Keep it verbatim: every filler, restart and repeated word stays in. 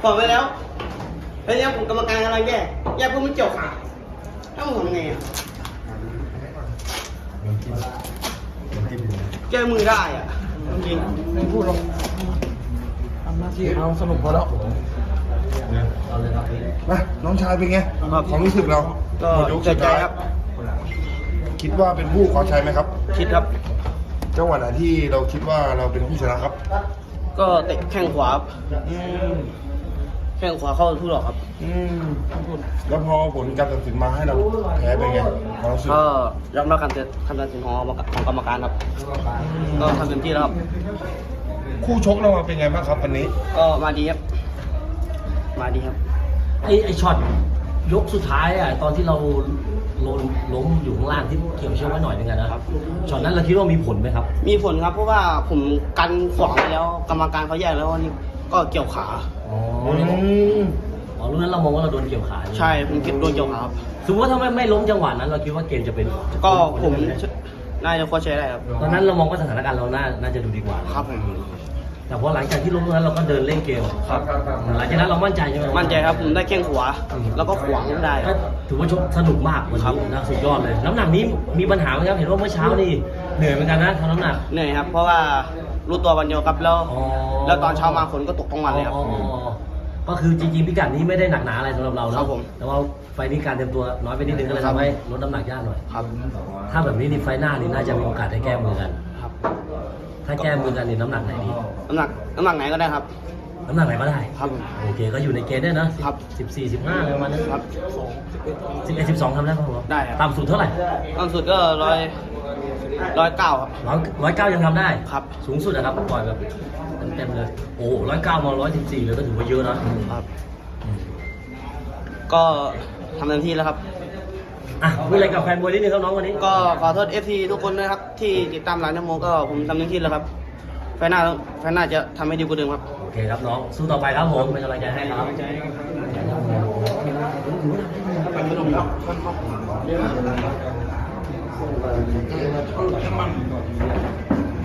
ก่อนไปแล้วแล้วเนี่ยผมกรรมการกำลังแย่แย่เพื่อไม่เกี่ยวขาถ้าผมทำไงอ่ะแก้มือได้อ่ะจริงไม่พูดหรอกทำหน้าที่เราสนุกพอแล้วมาน้องชายเป็นไงความรู้สึกเราก็ใจใจครับคิดว่าเป็นผู้ขอชัยไหมครับคิดครับจังหวะไหนที่เราคิดว่าเราเป็นผู้ชนะครับก็เตะแข้งขวาอืมแข้งขวาเข้าทุกดอกครับอืมแล้วพอผลการตัดสินมาให้เราแพ้เป็นไงความรู้สึกก็ยอมรับการตัดสินของของกรรมการครับก็ทำเต็มที่แล้วครับคู่ชกเราเป็นไงบ้างครับวันนี้ก็มาดีครับมาดีครับไอ้ไอ้ช็อตยกสุดท้ายอ่ะตอนที่เราล้มล้มอยู่ข้างล่างที่เกี่ยวเชือกไว้หน่อยนึงอะนะครับช็อตนั้นเราคิดว่ามีผลไหมครับมีผลครับเพราะว่าผมกันขวางไปแล้วกรรมการเขาแยกแล้วว่านี่ก็เกี่ยวขาอ๋ออืมอ๋อรุ่นนั้นเรามองว่าเราโดนเกี่ยวขาใช่ผมคิดโดนเกี่ยวขาครับสมมติว่าถ้าไม่ไม่ล้มจังหวะนั้น เราคิดว่าเกมจะเป็นก็ผมน่าจะควรใช้ได้ครับตอนนั้นเรามองว่าสถานการณ์เราน่าน่าจะดูดีกว่าครับผมแต่พอหลังจากที่ล้มตรงนั้นเราก็เดินเล่นเกมครับหลังจากนั้นเรามั่นใจใช่ไหมมั่นใจครับผมได้แข้งขวาแล้วก็ขวางได้คก็รับถือว่าชกสนุกมากวันครับนี้นะสุดยอดเลยน้ำหนักนี้มีปัญหาไหมครับเห็นว่าเมื่อเช้านี่เหนื่อยเหมือนกันนะทำน้ำหนักเหนื่อยครับเพราะว่ารู้ตัววันเดียวครับแล้วอ๋อแล้วตอนเช้ามาฝนก็ตกทั้งวันเลยครับอ๋อก็คือจริงๆพิกัดนี้ไม่ได้หนักหนาอะไรสำหรับเราครัเนาะบผมแต่ว่าไฟล์นี้การเตรียมตัวน้อยไปนิดนึงก็เลยครับทำให้ลดน้ำหนักยากหน่อยครับถ้าแบบนี้นี่ไฟล์หน้านี่น่าจะมีโอกาสได้แก้มือกันครับถ้าแก้มือกันนี่น้ำหนักไหนดีน้ำหนักน้ำหนักไหนก็ได้ครับน้ำหนักไหนก็ได้ครับผมโอเคก็อยู่ในเกณฑ์ด้วยนะครับ สิบสี่สิบห้าอะไรประมาณนั้นครับสิบเอ็ดสิบสองทำได้ป่ะผมได้ครับต่ำสุดเท่าไหร่ต่ำสุดก็ร้อยร้อยเก้าครับร้อยร้อยเก้ายังทำได้ครับสูงสุดนะครับปล่อยแบบเต็มๆเลย โอ้ร้อยเก้ามาร้อยสิบสี่เลยก็ถือว่าเยอะนะครับก็ทำเต็มที่แล้วครับอ่ะพูดอะไรกับแฟนบอลนิดนึงครับน้องวันนี้ก็ขอโทษเอฟซีทุกคนด้วยครับที่ติดตามร้านนโมก็ผมทำเต็มที่แล้วครับไฟหน้าไฟหน้าจะทำให้ดีกว่าเดิมครับโอเคครับน้องสู้ต่อไปครับผมเป็นกำลังใจให้ครับ